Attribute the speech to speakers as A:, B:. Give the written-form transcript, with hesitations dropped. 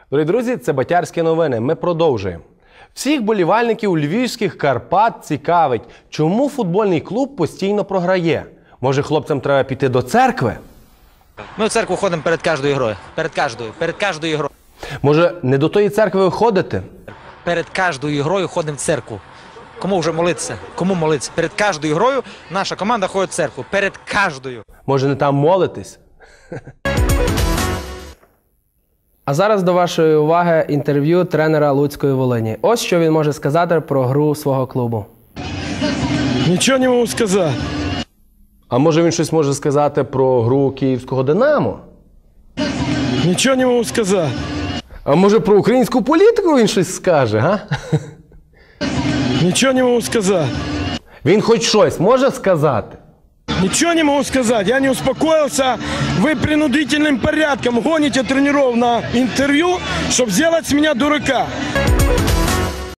A: Дорогі друзі, це Батярські новини. Ми продовжуємо. Всіх болівальників львівських Карпат цікавить, чому футбольний клуб постійно програє. Може, хлопцям треба піти до церкви?
B: Ми в церкву ходимо перед кожною грою. Перед кожною грою.
A: Може, не до тої церкви ви ходите?
B: Перед кожною грою ходимо в церкву. Кому вже молитися? Кому молитися? Перед кожною грою наша команда ходить в церкву. Перед кожною.
A: Може, не там молитесь?
C: А зараз до вашої уваги інтерв'ю тренера Луцької Волині. Ось що він може сказати про гру свого клубу.
D: Нічого не можу сказати.
A: А може він щось може сказати про гру київського «Динамо»?
D: Нічого не можу сказати.
A: А може про українську політику він щось скаже, га?
D: Нічого не можу сказати.
A: Він хоч щось може сказати?
D: Ничего не могу сказать, я не успокоился. Вы принудительным порядком гоните тренеров на интервью, чтобы сделать с меня дурака.